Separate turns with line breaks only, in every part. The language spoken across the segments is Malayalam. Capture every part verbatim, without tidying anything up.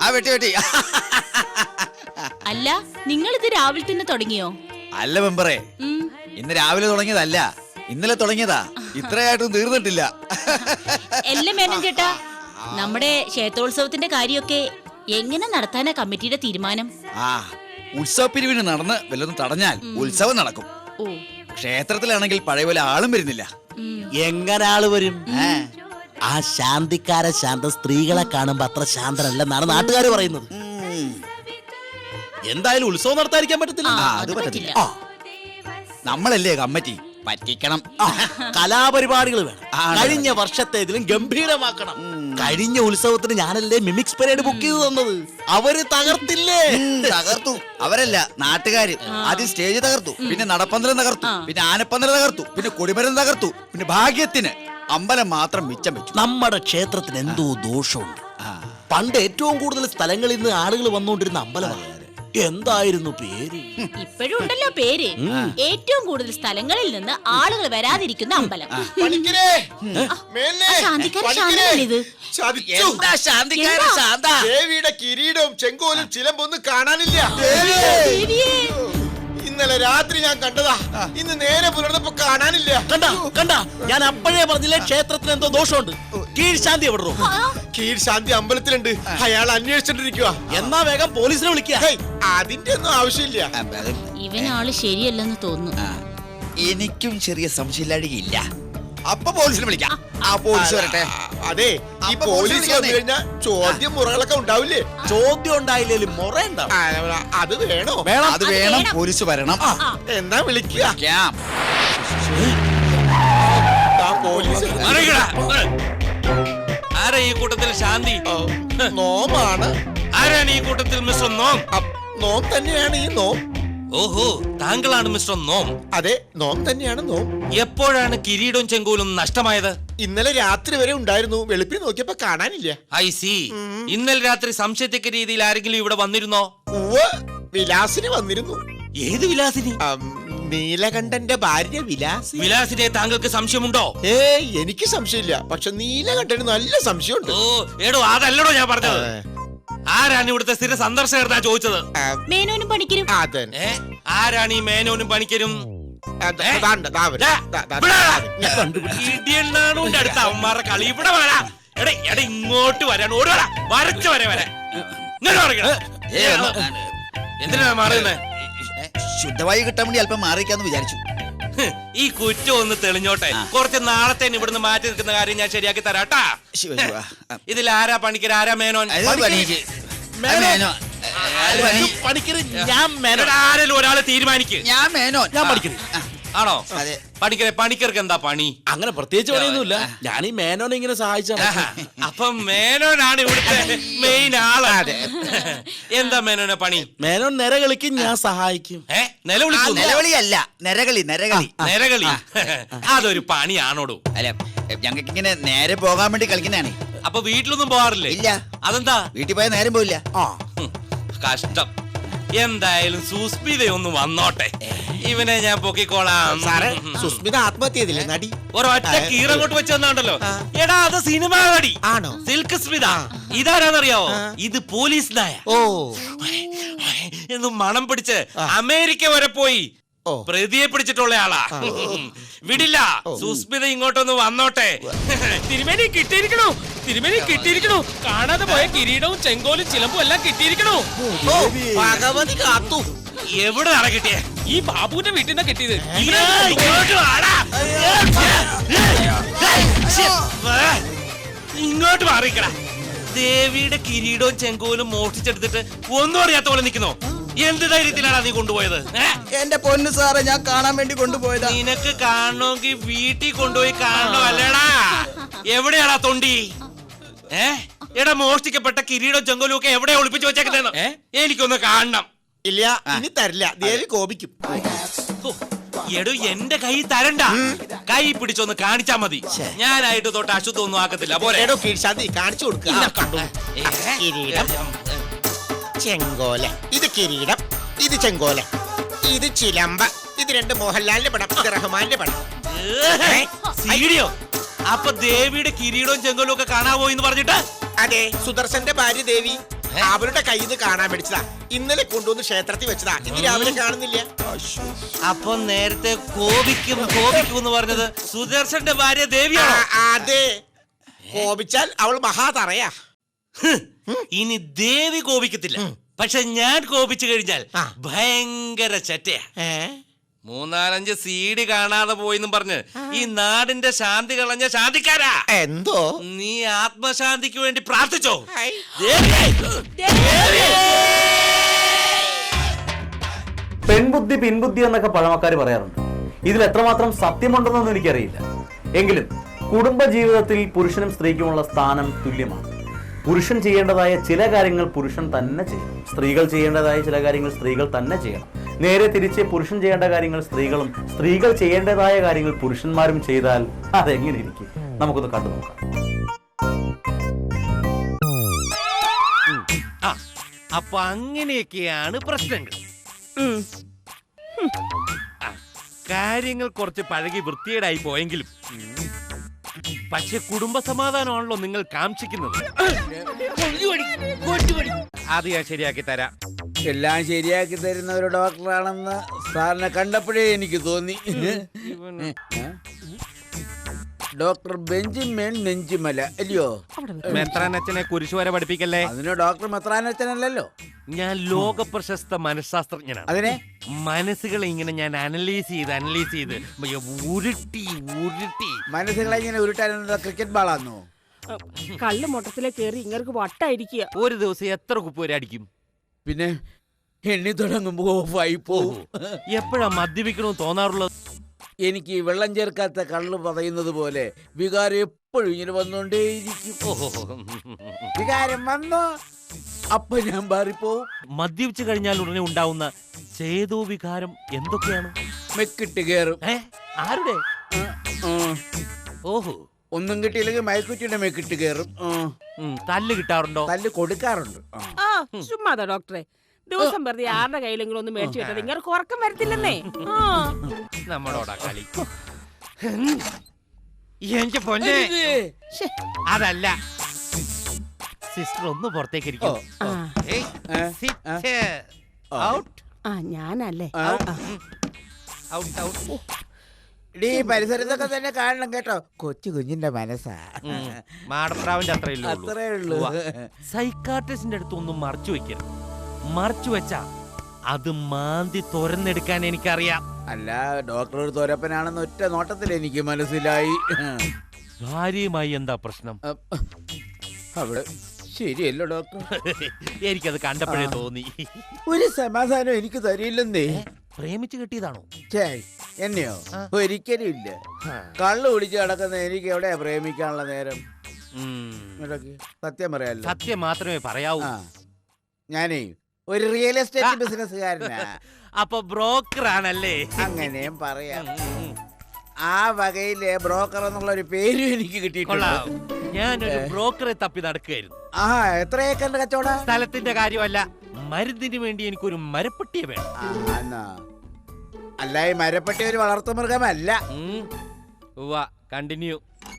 ആ വെട്ടി വെട്ടി.
അല്ല, നിങ്ങൾ ഇത് രാവിലെ തന്നെ തുടങ്ങിയോ?
അല്ല മെമ്പറേ, ഇന്ന് രാവിലെ തുടങ്ങിയതല്ല, ഇന്നലെ തുടങ്ങിയതാ. ഇത്രയായിട്ടും തീർന്നിട്ടില്ല.
എല്ലാം മേനൻ ചേട്ടാ, നമ്മുടെ ക്ഷേത്രോത്സവത്തിന്റെ കാര്യമൊക്കെ എങ്ങനെ നടത്താനാ കമ്മിറ്റിയുടെ തീരുമാനം?
ആ ഉത്സവ പിരിവിന് നടന്ന് വല്ലതും തടഞ്ഞാൽ ഉത്സവം നടക്കും.
ഓ,
ക്ഷേത്രത്തിലാണെങ്കിൽ പഴയ പോലെ ആളും വരുന്നില്ല.
എങ്ങനെ ആള് വരും? ആ ശാന്തിക്കാര ശാന്ത സ്ത്രീകളെ കാണുമ്പോ അത്ര ശാന്തനല്ലെന്നാണ് നാട്ടുകാർ പറയുന്നത്. എന്തായാലും ഉത്സവം നടത്താതിരിക്കാൻ പറ്റത്തില്ല.
അത് പറ്റത്തില്ല. നമ്മളല്ലേ കമ്മിറ്റി, പറ്റിക്കണം.
കലാപരിപാടികൾ വേണം. കഴിഞ്ഞ വർഷത്തേതിലും ഗംഭീരമാക്കണം. കഴിഞ്ഞ ഉത്സവത്തിന് ഞാനല്ലേ മിമിക്സ് പരേഡ് ബുക്ക് ചെയ്ത് തന്നത്. അവര് തകർത്തില്ലേ?
തകർത്തു. അവരല്ല, നാട്ടുകാര്. ആദ്യം സ്റ്റേജ് തകർത്തു, പിന്നെ നടപ്പന്തലം തകർത്തു, പിന്നെ ആനപ്പന്തലം തകർത്തു, പിന്നെ കൊടിമരം തകർത്തു, പിന്നെ ഭാഗ്യത്തിന് അമ്പലം മാത്രം മിച്ചം വെച്ചു.
നമ്മുടെ ക്ഷേത്രത്തിന് എന്തോ ദോഷമുണ്ട്. പണ്ട് ഏറ്റവും കൂടുതൽ സ്ഥലങ്ങളിൽ നിന്ന് ആളുകൾ വന്നുകൊണ്ടിരുന്ന അമ്പലമാണ്. എന്തായിരുന്നു പേര്?
ഇപ്പോഴും ഉണ്ടല്ലോ പേര്. ഏറ്റവും കൂടുതൽ സ്ഥലങ്ങളിൽ നിന്ന് ആളുകൾ വരാതിരിക്കുന്ന അമ്പലം.
ദേവിയുടെ കിരീടവും ചെങ്കോലും ചിലമ്പൊന്നും കാണാനില്ല. ഇന്നലെ രാത്രി ഞാൻ കണ്ടതാ, ഇന്ന് നേരെ പുലർന്നപ്പോ കാണാനില്ല.
കണ്ട കണ്ട ഞാൻ അപ്പോഴേ പറഞ്ഞില്ലേ ക്ഷേത്രത്തിന് എന്തോ ദോഷമുണ്ട്. കീഴ്ശാന്തി എവിടെ?
കീഴ്ശാന്തി അമ്പലത്തിലുണ്ട്. അയാൾ അന്വേഷിച്ചിട്ടിരിക്കുക.
എന്നാ വേഗം പോലീസിനെ വിളിക്കുക.
അതിന്റെ ഒന്നും ആവശ്യമില്ല.
ഇവനാള് ശരിയല്ലെന്ന് തോന്നുന്നു.
എനിക്കും ചെറിയ സംശയമില്ലാഴികയില്ല. അപ്പൊ പോലീസിനെ വിളിക്കാം. ആ പോലീസ് വരട്ടെ.
അതെ, ഈ പോലീസ് വന്നു കഴിഞ്ഞാൽ ചോദ്യം മുറകളൊക്കെ ഉണ്ടാവില്ലേ?
ചോദ്യം ഉണ്ടായില്ലേലും മുറ ഉണ്ടാവും.
അത് വേണോ?
വേണം,
അത് വേണം. പോലീസ് വരണം.
എന്നാ വിളിക്കുക.
ആരാ ഈ കൂട്ടത്തിൽ ശാന്തി?
നോമാണ്.
ആരാണ് ഈ കൂട്ടത്തിൽ മിസ്റ്റർ നോം?
നോം തന്നെയാണ് ഈ നോം.
ഓഹോ, താങ്കളാണ് മിസ്റ്റർ നോം.
അതെ, നോം തന്നെയാണ് നോം.
എപ്പോഴാണ് കിരീടവും ചെങ്കോലും നഷ്ടമായത്?
ഇന്നലെ രാത്രി വരെ ഉണ്ടായിരുന്നു. വെളുപ്പിൽ നോക്കിയപ്പോ കാണാനില്ല.
I see. ഇന്നലെ രാത്രി സംശയത്തക്ക രീതിയിൽ ആരെങ്കിലും ഇവിടെ വന്നിരുന്നോ?
ഉവ്വ്, വിലാസിനി വന്നിരുന്നു.
ഏത് വിലാസിനി?
നീലകണ്ഠന്റെ ഭാര്യ വിലാസി.
വിലാസിനെ താങ്കൾക്ക് സംശയമുണ്ടോ?
ഏ എനിക്ക് സംശയമില്ല, പക്ഷെ നീലകണ്ഠന് നല്ല സംശയമുണ്ട്.
ഓ എടോ, അതല്ലടോ ഞാൻ പറഞ്ഞത്. ആരാണ് ഇവിടുത്തെ സ്ഥിര സന്ദർശകർ ചോദിച്ചത്?
മേനോനും പണിക്കരും.
ആരാണ് ഈ മേനോനും പണിക്കരും? അടുത്ത അവന്മാരുടെ കളി ഇവിടെ വരാ. എടേ എടേ ഇങ്ങോട്ട് വരാൻ ഓടി വരാ. വരച്ചു വരെ വരാ. എന്തിനാ മാറുന്നേ?
ശുദ്ധവായു കിട്ടാൻ വേണ്ടി അല്പം മാറിക്കാന്ന് വിചാരിച്ചു.
ഈ കുറ്റം ഒന്ന് തെളിഞ്ഞോട്ടെ. കുറച്ച് നാളത്തെ ഇവിടുന്ന് മാറ്റി നിൽക്കുന്ന കാര്യം ഞാൻ ശരിയാക്കി തരാട്ടാ. ഇതിൽ ആരാ പണിക്കർ, ആരാ മേനോൻ? ആരെങ്കിലും ഒരാള് തീരുമാനിക്ക്.
ഞാൻ മേനോൻ.
ഞാൻ പഠിക്കുന്നു.
ആണോ? പണിക്കരെ, പണിക്കർക്ക് എന്താ പണി?
അങ്ങനെ പ്രത്യേകിച്ച് പണിയൊന്നുമില്ല. ഞാൻ ഈ മേനോനെ ഇങ്ങനെ സഹായിച്ചാണ്.
അപ്പൊ മേനോനാണ് ഇവിടുത്തെ മെയിൻ ആള്. എന്താ മേനോനെ പണി?
മേനോൻ നിരകളിക്കും, ഞാൻ സഹായിക്കും.
ഏ നിലവിളിക്കും?
നിലവിളിയല്ല, നരകളി. നരകളി
നിരകളി അതൊരു പണിയാണോടോ?
അല്ല, ഞങ്ങൾക്ക് ഇങ്ങനെ നേരെ പോകാൻ വേണ്ടി കളിക്കുന്നതാണ്.
അപ്പൊ വീട്ടിലൊന്നും പോവാറില്ലേ?
ഇല്ല.
അതെന്താ?
വീട്ടിൽ പോയാൽ നേരം പോയില്ല.
കഷ്ടം. എന്തായാലും സുസ്മിത ഒന്ന് വന്നോട്ടെ. ഇവനെ ഞാൻ പൊക്കിക്കോളാം.
സാറേ, സുസ്മിത ആത്മഹത്യ ചെയ്തില്ലേ നടി?
ഒരൊറ്റ കീറങ്ങോട്ട് വെച്ച് വന്നാണ്ടല്ലോ. എടാ, അത് സിനിമ നടി
ആണോ?
സിൽക്ക് സ്മിത. ഇതാരാന്നറിയാവോ? ഇത് പോലീസ് നായ.
ഓ
എന്ന് മണം പിടിച്ച് അമേരിക്ക വരെ പോയി പ്രതിയെ പിടിച്ചിട്ടുള്ള ആളാ. വിടില്ല. സുസ്മിത ഇങ്ങോട്ടൊന്ന് വന്നോട്ടെ. തിരുമേനി കിട്ടിയിരിക്കണു, തിരുമേനി കിട്ടിയിരിക്കണു. കാണാതെ പോയ കിരീടവും ചെങ്കോലും ചിലമ്പും എല്ലാം കിട്ടിയിരിക്കണു.
ഭഗവതി കാത്തു.
എവിടെയാണ് കിട്ടിയേ?
ഈ ബാബുവിന്റെ വീട്ടിൽ നിന്നാ കിട്ടിയത്.
ഇങ്ങോട്ട് മാറിക്കട. ദേവിയുടെ കിരീടവും ചെങ്കോലും മോഷ്ടിച്ചെടുത്തിട്ട് ഒന്നും അറിയാത്ത പോലെ നിൽക്കുന്നോ? എന്ത് ധൈര്യത്തിലാണ് നീ കൊണ്ടുപോയത്?
എന്റെ പൊന്നു സാറേ, ഞാൻ കാണാൻ വേണ്ടി കൊണ്ടുപോയതാ.
നിനക്ക് കാണണമെങ്കിൽ വീട്ടിൽ കൊണ്ടുപോയി കാണണോ അല്ലേടാ? എവിടെയാടാ തൊണ്ടി? ഏ എടാ, മോഷ്ടിക്കപ്പെട്ട കിരീടവും ചെങ്കോലും ഒക്കെ എവിടെ ഒളിപ്പിച്ചു വെച്ചേക്കുന്നതെന്ന് എനിക്കൊന്ന് കാണണം.
ഇല്ല, ഇനി തരില്ല. ദേവി കോപിക്കും.
എടോ, എന്റെ കൈ തരണ്ട. കൈ പിടിച്ചൊന്ന് കാണിച്ചാ മതി. ഞാനായിട്ട് തൊട്ട് അശുദ്ധം ഒന്നും ആക്കത്തില്ല. പോരേടോ
കീഴ്ശാന്തി കാണിച്ചു കൊടുക്കുക. കിരീടം, ചെങ്കോല. ഇത് കിരീടം, ഇത് ചെങ്കോല, ഇത് ചിലമ്പ. ഇത് രണ്ട് മോഹൻലാലിന്റെ പടം, ഇത് റഹ്മാന്റെ പടം.
സീഡിയോ? അപ്പൊ ദേവിയുടെ കിരീടവും ചെങ്കോലും ഒക്കെ കാണാവോ എന്ന് പറഞ്ഞിട്ട്?
അതെ, സുദർശന്റെ ഭാര്യ ദേവി. അവരുടെ കയ്യിൽ നിന്ന് കാണാൻ മേടിച്ചതാ. ഇന്നലെ കൊണ്ടുവന്ന് ക്ഷേത്രത്തിൽ വെച്ചതാ. ഇന്ന് രാവിലെ കാണുന്നില്ല.
അപ്പൊ നേരത്തെ കോപിക്കും കോപിക്കും എന്ന് പറഞ്ഞത് സുദർശന്റെ ഭാര്യ
ആ,
ദേവിയാണോ?
അതെ. കോപിച്ചാൽ അവൾ മഹാതറയാ.
ഹ്, ഇനി ദേവി കോപിക്കത്തില്ല. പക്ഷെ ഞാൻ കോപിച്ചു കഴിഞ്ഞാൽ
ആ.
ഭയങ്കര ചറ്റയാ.
ഏ?
മൂന്നാലഞ്ച് സീഡി കാണാതെ പോയിന്നും പറഞ്ഞ് ഈ നാടിന്റെ ശാന്തി കളഞ്ഞ ശാന്തിക്കാരാ.
എന്തോ
നീ ആത്മശാന്തിക്ക് വേണ്ടി പ്രാർത്ഥിച്ചോ?
ഹൈ.
പെൺബുദ്ധി പിൻബുദ്ധി എന്നൊക്കെ പഴമക്കാർ പറയാറുണ്ട്. ഇതിൽ എത്രമാത്രം സത്യമുണ്ടെന്നൊന്നും എനിക്കറിയില്ല. എങ്കിലും കുടുംബ ജീവിതത്തിൽ പുരുഷനും സ്ത്രീക്കുമുള്ള സ്ഥാനം തുല്യമാണ്. പുരുഷൻ ചെയ്യേണ്ടതായ ചില കാര്യങ്ങൾ പുരുഷൻ തന്നെ ചെയ്യണം, സ്ത്രീകൾ ചെയ്യേണ്ടതായ ചില കാര്യങ്ങൾ സ്ത്രീകൾ തന്നെ ചെയ്യണം. നേരെ തിരിച്ച് പുരുഷൻ ചെയ്യേണ്ട കാര്യങ്ങൾ സ്ത്രീകളും സ്ത്രീകൾ ചെയ്യേണ്ടതായ കാര്യങ്ങൾ പുരുഷന്മാരും ചെയ്താൽ അതെങ്ങനെ ഇരിക്കും? നമുക്കൊന്ന് കണ്ടു നോക്കാം.
ആ, അപ്പൊ അങ്ങനെയൊക്കെയാണ് പ്രശ്നങ്ങൾ. ആ, കാര്യങ്ങൾ കുറച്ച് പഴകി വൃത്തികേടായി പോയെങ്കിലും പക്ഷെ കുടുംബ സമാധാനമാണല്ലോ നിങ്ങൾ കാക്ഷിക്കുന്നത്. അത് ഞാൻ ശരിയാക്കി തരാം.
എല്ലാം ശരിയാക്കി തരുന്ന ഒരു ഡോക്ടറാണെന്ന് സാറിനെ കണ്ടപ്പോഴേ എനിക്ക് തോന്നി. ഡോക്ടർ ബെഞ്ചിമേൻ നെഞ്ചിമല അല്ലയോ?
മെത്രാനച്ഛനെ കുരിശു വരെ പഠിപ്പിക്കല്ലേ.
അതിന് ഡോക്ടർ മെത്രാനച്ചനല്ലോ.
ഞാൻ ലോക പ്രശസ്ത മനഃശാസ്ത്രജ്ഞനാണ്.
അതിനെ
മനസ്സുകളെ ഇങ്ങനെ ഞാൻ അനലൈസ് ചെയ്ത് അനലൈസ് ചെയ്ത് ഉരുട്ടി ഉരുട്ടി
മനസ്സുകളെ ഇങ്ങനെ ഉരുട്ടാനുള്ള ക്രിക്കറ്റ് ബാളാന്നോ?
കള്ള് മൊട്ടത്തിലെ കേറി ഇങ്ങർക്ക് വട്ടായിരിക്കുക.
ഒരു ദിവസം എത്ര കുപ്പ് വരെ അടിക്കും?
പിന്നെ എണ്ണി തുടങ്ങുമ്പോ ഓഫായി പോവും.
എപ്പോഴാ മദ്യപിക്കണമെന്ന് തോന്നാറുള്ളത്?
എനിക്ക് വെള്ളം ചേർക്കാത്ത കള്ള് പറയുന്നത് പോലെ വികാരം എപ്പോഴും ഇങ്ങനെ വന്നോണ്ടേയിരിക്കും.
ഓഹോ,
വികാരം വന്നോ അപ്പൊ ഞാൻ മാറിപ്പോവും.
മദ്യപിച്ചു കഴിഞ്ഞാൽ ഉടനെ ഉണ്ടാവുന്ന ചേതോ വികാരം എന്തൊക്കെയാണ്?
മെക്കിട്ട് കയറും.
ഏ ആരുടെ? ഓഹോ,
ഒന്നും കിട്ടിയില്ലെങ്കിൽ മയക്കുറ്റിയുടെ മെക്കിട്ട് കയറും.
ഉം, തല്ല് കിട്ടാറുണ്ടോ?
തല്ല് കൊടുക്കാറുണ്ട്. ആ.
ആ ചുമ്മാതാ ഡോക്ടറെ. ദിവസം വെറുതെ ആരുടെ കയ്യിലെങ്കിലും ഒന്ന് മേടിച്ചു കിട്ടത് ഇങ്ങനെ ഉറക്കം വരത്തില്ലെന്നേ. ആ
നമ്മളോടാ കളി. എന്റെ പൊന്നെ,
ശ്ശെ.
അതല്ല സിസ്റ്റർ ഒന്ന് പുറത്തേക്ക് ഇരിക്കും.
ആ.
ഏയ്, sit. Out,
ആ ഞാനല്ലേ.
ആ.
ആ.
out, out.
ഡീ പരിസരത്തൊക്കെ തന്നെ കാണണം കേട്ടോ. കൊച്ചു കുഞ്ഞിന്റെ മനസ്സാ.
ഉം, മാടപ്രാവിന്റെ അത്രയല്ലേ ഉള്ളൂ.
അത്രേ ഉള്ളൂ.
സൈക്കാട്രിസ്റ്റിന്റെ അടുത്ത് ഒന്നും മറച്ചു വെക്കരുത്. മറച്ചു വെച്ചാ അത് മാന്തി തുറന്നെടുക്കാൻ എനിക്കറിയാം.
അല്ല ഡോക്ടർ ഒരു തോരപ്പനാണെന്ന് ഒറ്റ നോട്ടത്തിൽ എനിക്ക് മനസ്സിലായി.
ഭാര്യയുമായി എന്താ പ്രശ്നം?
അപ്പ, അവിടെ ശരിയല്ലോ ഡോക്ടർ.
എനിക്കത് കണ്ടപ്പോഴേ തോന്നി.
ഒരു സമാധാനം എനിക്ക് തരില്ലെന്നേ.
പ്രേമിച്ച് കിട്ടിയതാണോ?
ഛേ, എന്നെയോ? ഒരിക്കലും ഇല്ല. കള്ളു കുടിച്ച് കിടക്കുന്ന എനിക്ക് എവിടെയാ പ്രേമിക്കാനുള്ള നേരം?
ഉം,
ഇടയ്ക്ക് സത്യം പറയാലോ.
സത്യം മാത്രമേ പറയാവൂ.
ആ, ഞാനേ ഒരു റിയൽ എസ്റ്റേറ്റ് ബിസിനസ്സുകാരനാ.
അപ്പൊ ബ്രോക്കർ ആണല്ലേ?
അങ്ങനെയും പറയാം.
ഉം, ഉം, ഉം.
ആ വകയിലെ ബ്രോക്കർ എന്നുള്ള ഒരു പേരും എനിക്ക് കിട്ടിയിട്ടുണ്ട്.
കൊള്ളാം. ഞാനൊരു ബ്രോക്കറെ തപ്പി നടക്കുകയായിരുന്നു.
ആ എത്ര ഏക്കറിന്റെ കച്ചവട?
സ്ഥലത്തിന്റെ കാര്യമല്ല, മരുന്നിന് വേണ്ടി എനിക്കൊരു മരപ്പെട്ടിയെ വേണം.
അല്ല ഈ മരപ്പട്ടി ഒരു വളർത്തു മൃഗമല്ല.
കണ്ടിന്യൂ.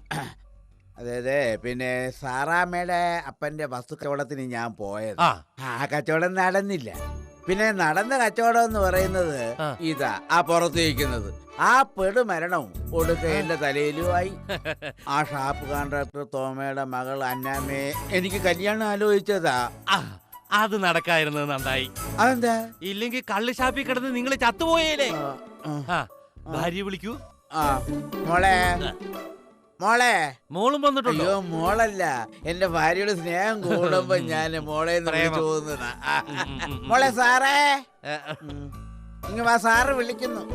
അതെ അതെ. പിന്നെ സാറാമ്മയുടെ അപ്പന്റെ വസ്തു കച്ചവടത്തിന് ഞാൻ പോയത്.
ആ
ആ കച്ചവടം നടന്നില്ല. പിന്നെ നടന്ന കച്ചവടം എന്ന് പറയുന്നത്
ആ.
ഇതാ ആ പുറത്ത് വയ്ക്കുന്നത്. ആ പെടുമരണവും ഒടുക്ക എന്റെ തലയിലുമായി. ആ ഷാപ്പ് കോൺട്രാക്ടർ തോമയുടെ മകൾ അന്നാമ്മയെ എനിക്ക് കല്യാണം ആലോചിച്ചതാ.
ആ, അത് നടക്കായിരുന്നത് നന്നായി.
അതെന്താ?
ഇല്ലെങ്കിൽ കള്ള് ഷാപ്പിൽ കിടന്ന് നിങ്ങൾ ചത്തുപോയേലേ.
ആ,
ആ, ഭാര്യ വിളിക്കൂ.
ആ മോളെ മോളെ.
മോളും വന്നിട്ടുണ്ടോ?
അയ്യോ മോളല്ല, എന്റെ ഭാര്യയുടെ സ്നേഹം കൂടുമ്പോ ഞാൻ മോളെ
പ്രേമം.
തോന്നുന്ന.
ഉം, ഉം, ഉം.
മോളെ സാറേ.
ഏ,
ഉം. ഇങ്ങ വാ, സാറ് വിളിക്കുന്നു.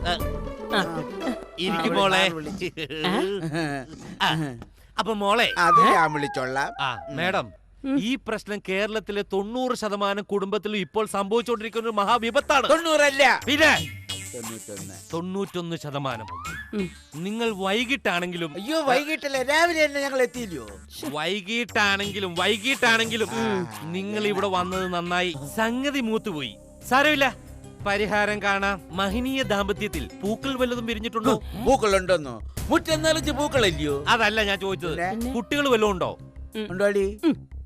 ഇരിക്കും മോളെ. ആ, അപ്പൊ മോളെ,
അത് ഞാൻ വിളിച്ചോളാം.
ആ മേഡം, ഈ പ്രശ്നം കേരളത്തിലെ തൊണ്ണൂറ് ശതമാനം കുടുംബത്തിലും ഇപ്പോൾ സംഭവിച്ചുകൊണ്ടിരിക്കുന്ന ഒരു മഹാവിപത്താണ്.
തൊണ്ണൂറല്ല,
പിന്നെ
തൊണ്ണൂറ്റൊന്ന്.
തൊണ്ണൂറ്റൊന്ന് ശതമാനം. നിങ്ങൾ വൈകിട്ടാണെങ്കിലും
അയ്യോ വൈകിട്ടല്ലേ, രാവിലെ തന്നെ ഞങ്ങൾ എത്തിയില്ലയോ?
വൈകിട്ടാണെങ്കിലും വൈകിട്ടാണെങ്കിലും നിങ്ങൾ ഇവിടെ വന്നത് നന്നായി. സംഗതി മൂത്തുപോയി. സാരമില്ല, പരിഹാരം കാണാം. മഹനീയ ദാമ്പത്യത്തിൽ പൂക്കൾ വല്ലതും വിരിഞ്ഞിട്ടുണ്ടോ?
പൂക്കളുണ്ടോന്നോ? മുറ്റം നിറച്ച് പൂക്കളല്ലയോ?
അതല്ല ഞാൻ ചോദിച്ചത്.
പിന്നെ?
കുട്ടികൾ വല്ലതും ഉണ്ടോ?
ഉണ്ടോടി?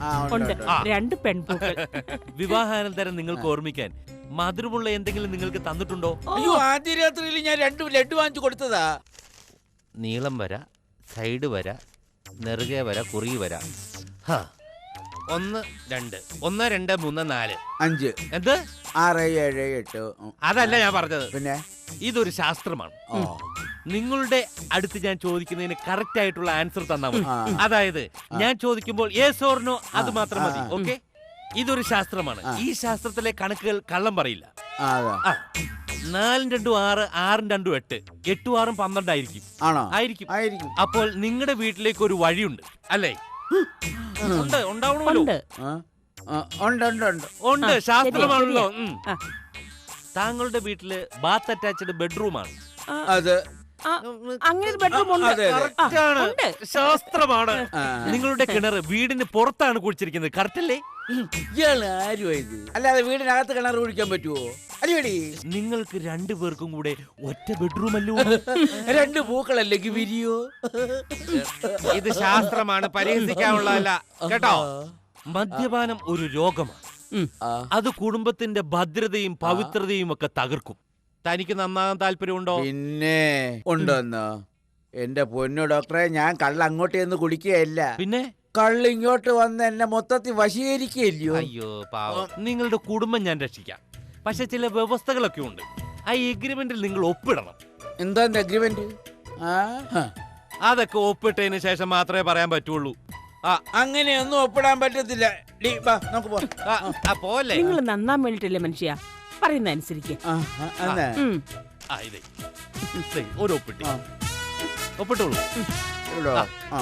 ആ, ഉണ്ട്,
ഉണ്ട്
ഉണ്ട്.
ആ.
രണ്ട് പെൺപൂക്കൾ.
വിവാഹാനന്തരം നിങ്ങൾക്ക് ഓർമ്മിക്കാൻ മധുരമുള്ള എന്തെങ്കിലും നിങ്ങൾക്ക് തന്നിട്ടുണ്ടോ?
അയ്യോ ആദ്യ രാത്രിയിൽ ഞാൻ രണ്ട് ലഡു വാങ്ങിച്ചു കൊടുത്തതാ.
നീളം വര, സൈഡ് വര, നെറുകെ വര, കുറി വര. ഹാ. ഒന്ന് രണ്ട് ഒന്ന് രണ്ട് മൂന്ന് നാല്
അഞ്ച്
എന്ത്?
ആറ് ഏഴ് എട്ട് ഉം.
അതല്ല ഞാൻ പറഞ്ഞത്.
പിന്നെ
ഇതൊരു ശാസ്ത്രമാണ്.
ഓ.
നിങ്ങളുടെ അടുത്ത് ഞാൻ ചോദിക്കുന്നതിന് കറക്റ്റ് ആയിട്ടുള്ള ആൻസർ തന്നാൽ മതി.
ആ.
അതായത് ഞാൻ ചോദിക്കുമ്പോൾ യെസ് ഓർ നോ അത്
ആ,
മാത്രം മതി.
ആ.
ഓക്കെ? ഇതൊരു ശാസ്ത്രമാണ്.
ആ.
ഈ ശാസ്ത്രത്തിലെ കണക്കുകൾ കള്ളം പറയില്ല.
ആ, അതാ.
ആ. നാലും രണ്ടും ആറ്, ആറും രണ്ടും എട്ട്, എട്ടും ആറും പന്ത്രണ്ടായിരിക്കും.
ആണോ?
ആയിരിക്കും.
ആയിരിക്കും.
അപ്പോൾ നിങ്ങളുടെ വീട്ടിലേക്ക് ഒരു വഴിയുണ്ട് അല്ലേ? ഉണ്ട്, ഉണ്ടാവണമല്ലോ.
ഉണ്ട്.
ആ, ആ, ഉണ്ട് ഉണ്ട് ഉണ്ട്
ഉണ്ട്,
ആ,
ശാസ്ത്രമാണല്ലോ.
ശരിയാ,
ഉം.
ആ.
താങ്കളുടെ വീട്ടില് ബാത്ത് അറ്റാച്ച്ഡ് ബെഡ്റൂമാണ്.
ആ,
അത്
ആ, അങ്ങനെ ഒരു ബെഡ്റൂം ഉണ്ട്.
അതെ, അതെ.
ആ,
ആണ്.
ഉണ്ട്.
ശാസ്ത്രമാണ്.
ആ.
നിങ്ങളുടെ കിണർ വീടിന് പുറത്താണ് കുഴിച്ചിരിക്കുന്നത്, കറക്റ്റ് അല്ലേ?
ഇയാള് ആരുമാ ഇത്? അല്ലാതെ വീടിനകത്ത് കിണർ കുഴിക്കാൻ പറ്റുമോ? അല്ലേടി
നിങ്ങൾക്ക് രണ്ടു പേർക്കും കൂടെ ഒറ്റ ബെഡ്റൂം അല്ലോ.
രണ്ട് പൂക്കളല്ലെങ്കിൽ വിരിയോ?
ഇത് ശാസ്ത്രമാണ്, പരിഹസിക്കാനുള്ളതല്ല കേട്ടോ. മദ്യപാനം ഒരു രോഗമാണ്.
ആ.
അത് കുടുംബത്തിന്റെ ഭദ്രതയും പവിത്രതയും ഒക്കെ തകർക്കും. തനിക്ക് നന്നാകാൻ താല്പര്യമുണ്ടോ?
പിന്നെ ഉണ്ടോന്നോ? എന്റെ പൊന്നു ഡോക്ടറെ, ഞാൻ കള്ള അങ്ങോട്ട് ചെന്ന് കുടിക്കുകയല്ല.
പിന്നെ
കള്ള് ഇങ്ങോട്ട് വന്ന് എന്നെ മൊത്തത്തിൽ വശീകരിക്കുകയല്ലയോ?
അയ്യോ പാവം, നിങ്ങളുടെ കുടുംബം ഞാൻ രക്ഷിക്കാം. പക്ഷെ ചില വ്യവസ്ഥകളൊക്കെ ഉണ്ട്. ആ എഗ്രിമെന്റിൽ നിങ്ങൾ ഒപ്പിടണം.
എന്താ അഗ്രിമെന്റ്?
അതൊക്കെ ഒപ്പിട്ടതിന് ശേഷം മാത്രമേ പറയാൻ പറ്റുള്ളൂ. ആ
അങ്ങനെയൊന്നും ഒപ്പിടാൻ പറ്റത്തില്ല. ഡി, വാ, നമുക്ക് പോവാം.
ആ, ആ, പോലെ
നിങ്ങൾ നന്നാൻ വേണ്ടിട്ടല്ലേ മനുഷ്യ പറയുന്ന അനുസരിക്ക്.
ആ, ആ, എന്നാ?
ഉം.
ആ ഇതേ ദേ, ഒരു ഒപ്പിട്ടി
ആ.
ഒപ്പിട്ടോളൂ.
ഇവിടോ?
ആ.
ആ,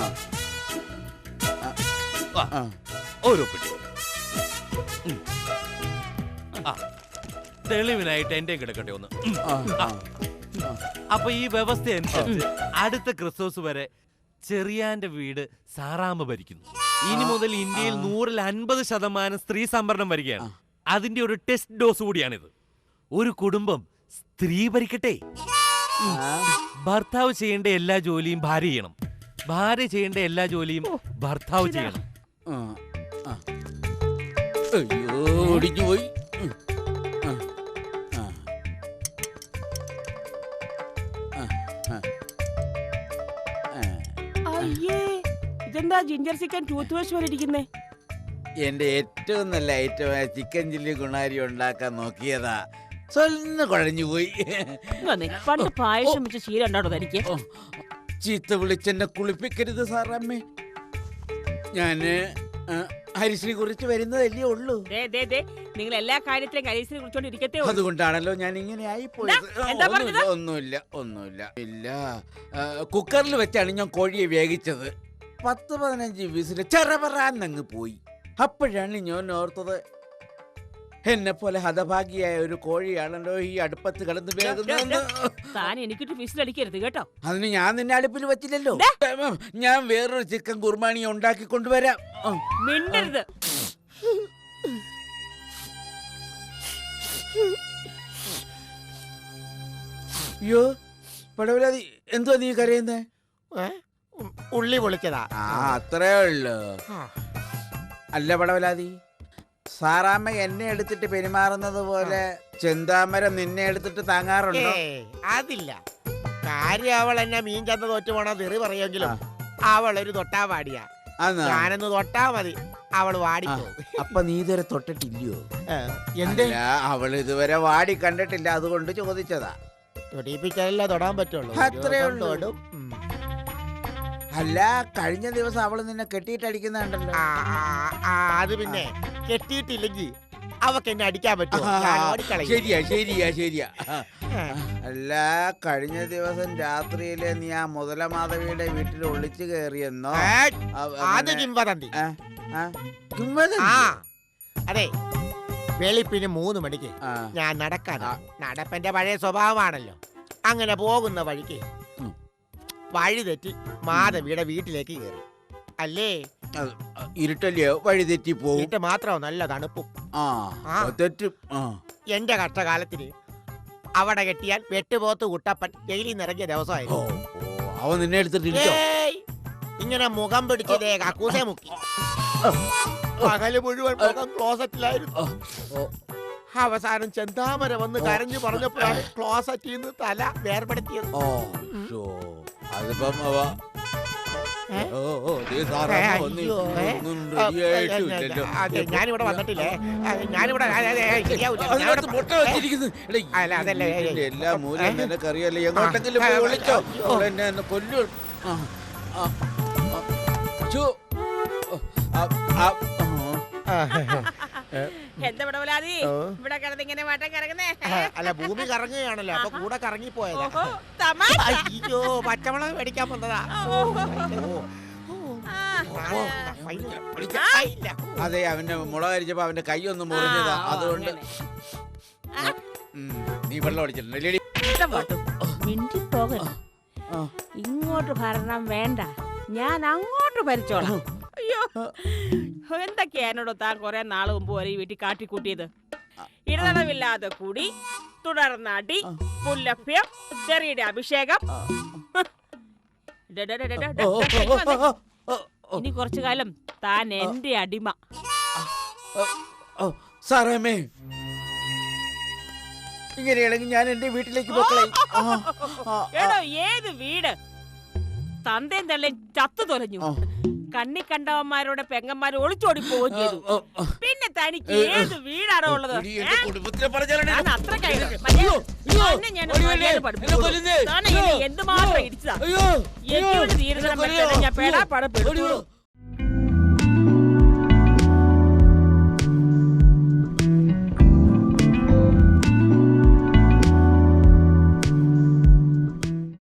ആ,
ആ.
ഒരു ഒപ്പിട്ടി. ഉം. ആ തെളിവിനായിട്ട് എന്റെ കിടക്കട്ടെ ഒന്ന്. ഉം.
ആ, ആ.
അപ്പൊ ഈ വ്യവസ്ഥ അനുസരിച്ച് അടുത്ത ക്രിസ്മസ് വരെ ചെറിയാന്റെ വീട് സാറാമ്മ ഭരിക്കുന്നു. ഇനി മുതൽ ഇന്ത്യയിൽ നൂറിൽ അൻപത് ശതമാനം സ്ത്രീ സംവരണം വരികയാണ്. അതിന്റെ ഒരു ടെസ്റ്റ് ഡോസ് കൂടിയാണിത്. ഒരു കുടുംബം സ്ത്രീ ഭരിക്കട്ടെ. ഭർത്താവ് ചെയ്യേണ്ട എല്ലാ ജോലിയും ഭാര്യ ചെയ്യണം, ഭാര്യ ചെയ്യേണ്ട എല്ലാ ജോലിയും ഭർത്താവ് ചെയ്യണം.
ആ, ആ. അയ്യോ, ഒടിഞ്ഞു പോയി. ഉം. ആ, ആ. ആ, ആ. ആ.
അയ്യേ, ഇതെന്താ ജിഞ്ചർ ചിക്കൻ ടൂത്ത് വാഷ് പോലെ ഇരിക്കുന്നേ?
എന്റെ ഏറ്റവും നല്ല ഐറ്റമായ ചിക്കൻ ചില്ലി ഗുണാരി ഉണ്ടാക്കാൻ നോക്കിയതാ, സ്വന്ന് കുഴഞ്ഞു പോയി.
ഇങ്ങ് പണ്ട് പായസം വെച്ച ശീലം ഉണ്ടാടോ തനിക്ക്?
ഓ, ചീത്ത വിളിച്ചെന്നെ കുളിപ്പിക്കരുത് സാറമ്മേ. ഞാന് ആ, ഹരിശ്രീ കുറിച്ച് വരുന്നതല്ലേ ഉള്ളൂ.
ദേ, ദേ, ദേ, നിങ്ങൾ എല്ലാ കാര്യത്തിലും കരീസിനെ കുറിച്ചോണ്ട് ഇരിക്കത്തേ ഉള്ളൂ.
അതുകൊണ്ടാണല്ലോ ഞാൻ ഇങ്ങനെ ആയി പോയത്.
ദാ, എന്താ പറഞ്ഞത്?
ഒന്നുമില്ല ഒന്നുമില്ല ഇല്ല. ആ, കുക്കറിൽ വെച്ചാണ് ഞാൻ കോഴിയെ വേവിച്ചത്. പത്ത് പതിനഞ്ച് വിസില് ചെറപറാന്നങ്ങ് പോയി. അപ്പോഴാണ് ഞാൻ ഓർത്തത്, എന്നെ പോലെ ഹതഭാഗിയായ ഒരു കോഴിയാണല്ലോ ഈ അടുപ്പത്ത് കിടന്ന് വേകുന്നതെന്ന്.
താൻ എനിക്കിട്ട് വിസിലടിക്കരുത് കേട്ടോ.
അതിന് ഞാൻ നിന്നെ അടുപ്പിൽ വെച്ചില്ലല്ലോ. ഞാൻ വേറൊരു ചിക്കൻ കുർബാനി ഉണ്ടാക്കി കൊണ്ടുവരാം. ആ.
മിണ്ടരുത്.
അയ്യോ പടവലാതി, എന്തുവാ നീ കരയുന്നേ?
ഏ? ഉം, ഉള്ളി പൊളിച്ചതാ.
ആ, അത്രേ ഉള്ളു.
ആ.
അല്ല പടവലാതി, സാറാമ്മ എന്നെ എടുത്തിട്ട് പെരുമാറുന്നത് പോലെ ചെന്താമരം നിന്നെ എടുത്തിട്ട് താങ്ങാറുണ്ടോ?
ഏയ്, അതില്ല. കാര്യം അവൾ എന്നെ മീൻ ചന്ത തോറ്റു പോണ തെറി പറയുമെങ്കിലും അവൾ ഒരു തൊട്ടാ വാടിയാ.
ആന്നോ?
ഞാനൊന്ന് തൊട്ടാ മതി അവൾ
ആ,
വാടിപ്പോ.
അപ്പൊ നീ ഇതുവരെ തൊട്ടിട്ടില്ലയോ?
എന്ത്
അല്ല, അവൾ ഇതുവരെ വാടി കണ്ടിട്ടില്ല, അതുകൊണ്ട് ചോദിച്ചതാ.
തൊടിപ്പിച്ചാലല്ലേ തൊടാൻ പറ്റുള്ളൂ.
അത്രേ
ഒരു
ഉള്ളൂ.
തൊടും. ഉം.
അല്ല, കഴിഞ്ഞ ദിവസം അവള് നിന്നെ കെട്ടിയിട്ടടിക്കുന്നുണ്ടല്ലോ.
ആ, ആ, ആ, അത് പിന്നെ കെട്ടിയിട്ടില്ലെങ്കിൽ അവക്ക് എന്നെ അടിക്കാൻ പറ്റുമോ?
ആ,
ഞാൻ ഓടിക്കളയും.
ശരിയാ ശരിയാ ശരിയാ.
ഏ.
അല്ല, കഴിഞ്ഞ ദിവസം രാത്രിയില് നീ ആ മുതലമാധവിയുടെ വീട്ടിൽ ഒളിച്ചു കയറിയെന്നോ?
ഏ,
അവ-
അത്
അങ്ങനെ-
കിംവദന്തി.
ആ, ആ, കിംവദന്തി?
ആ, അതെ, വെളുപ്പിന് മൂന്ന് മണിക്ക്
ആ.
ഞാൻ നടക്കാനാ. നടപ്പന്റെ പഴയ സ്വഭാവമാണല്ലോ. അങ്ങനെ പോകുന്ന വഴിക്ക്
ഉം.
വഴി തെറ്റി മാധവിയുടെ വീട്ടിലേക്ക് കയറി. അല്ലേ?
അത് ഇരുട്ടല്ലയോ, വഴി തെറ്റി പോവും.
വീട്ട് മാത്രം നല്ല തണുപ്പും.
ആ,
ആ.
തെറ്റും. ആ.
എന്റെ കഷ്ടകാലത്തിന് അവിടെ കെട്ടിയാൽ വെട്ടുപോത്ത് കുട്ടപ്പൻ ജയിലിൽ നിറങ്ങിയ
ഓ,
ദിവസമായിരുന്നു.
ഓ, അവൻ നിന്നെ എടുത്തിട്ട് ഇടിച്ചോ?
ഏയ്, ഇങ്ങനെ മുഖം പിടിച്ചതേ കക്കൂസെ മുക്കി. പകല് മുഴുവൻ മുഖം ക്ലോസറ്റിലായിരുന്നു. അവസാനം ചെന്താമര വന്ന് കരഞ്ഞു പറഞ്ഞപ്പോഴാണ് ക്ലോസറ്റിൽ നിന്ന് തല വേർപെടുത്തിയത്.
ഓ ഷോ അതിപ്പം അവ ഓ ഓ ദേ സാറമ്മ വന്ന്
അയ്യോ, ഏ?
ഒന്നും റെഡിയായിട്ടില്ലല്ലോ.
അതെ, ഞാനിവിടെ വന്നിട്ടില്ലേ? അതെ, ഞാനിവിടെ അതെ, അതെ, ശരിയാവൂല.
അതിനകത്ത്
ഞാനിവിടെ-
മുട്ട വെച്ചിരിക്കുന്നു. എടീ,
അല്ല, അതല്ല, ഏ, ഏ.
ഇതിന്റെ എല്ലാ മൂലയും നിനക്കറിയാലോ. എങ്ങോട്ടെങ്കിലും പോയി വിളിച്ചോ. അവൾ എന്നെ എന്നെ കൊല്ലു. ആ, ആ, ആ. ഛോ. ആ, ആ, ആ.
എന്താ പടവലാതി
ഓ.
ഇവിടെ കിടന്ന് ഇങ്ങനെ വട്ടം കിടക്കുന്നേ
അല്ല, ഭൂമി കറങ്ങുകയാണല്ലോ, അപ്പൊ കൂടെ കറങ്ങിപ്പോയതാ.
ഓഹോ തമാശ
അയ്യോ, പച്ചമുളക് മേടിക്കാൻ വന്നതാ.
ഓഹോ. ആ,
ഓ,
ആ.
ഫൈൻ വിളിക്കാം. ആ, ഇല്ല.
അതെ, അവന്റെ മുളക് അരിച്ചപ്പോ അവന്റെ കൈ ഒന്ന് മുറിഞ്ഞതാ.
ആ,
അതുകൊണ്ട്
അങ്ങനെ.
ഉം, നീ വെള്ളം അടിച്ചിട്ടുണ്ട്.
ഇഷ്ടപ്പെട്ടു മിണ്ടി പോകരുത്.
ആ.
ഇങ്ങോട്ട് ഭരണം വേണ്ട, ഞാൻ അങ്ങോട്ട് ഭരിച്ചോളാം. അയ്യോ എന്തൊക്കെയാ എന്നോട് താൻ കുറെ നാള് മുമ്പ് വരെ ഈ വീട്ടിൽ കാട്ടിക്കൂട്ടിയത്. ഇടതടവില്ലാതെ കൂടി, തുടർന്ന് അടി, പുല്ലഭ്യം, ചെറിയുടെ അഭിഷേകം. ഡെ, ഡെ, ഡെ, ഡെ, ഡെ, ഡെ, ഇങ്ങ് വന്നേ. ഇനി കുറച്ചു കാലം താൻ എന്റെ അടിമ.
സാറേമേ, ഇങ്ങനെയാണെങ്കിൽ ഞാൻ എന്റെ വീട്ടിലേക്ക് പോക്കളെ.
എടോ ഏത് വീട് തന്തേം തള്ളേം ചത്തു തൊലഞ്ഞു. കണ്ണി കണ്ടവന്മാരോടെ പെങ്ങന്മാർ ഒളിച്ചോടി പോവുകയും ചെയ്തു. പിന്നെ തനിക്ക് ഏത് വീടാണോ ഉള്ളത്? ഏ?
കുടുംബത്തിനെ പറഞ്ഞാലേ
താൻ അത്ര കഴിഞ്ഞു. തന്നെ ഞാൻ മര്യാദ പഠിപ്പിച്ചു. താൻ എന്നെ എന്തുമാത്രം ഇടിച്ചതാ. എങ്കിലും തീരുന്ന ഞാൻ പേടാ പടപ്പെടുത്തു.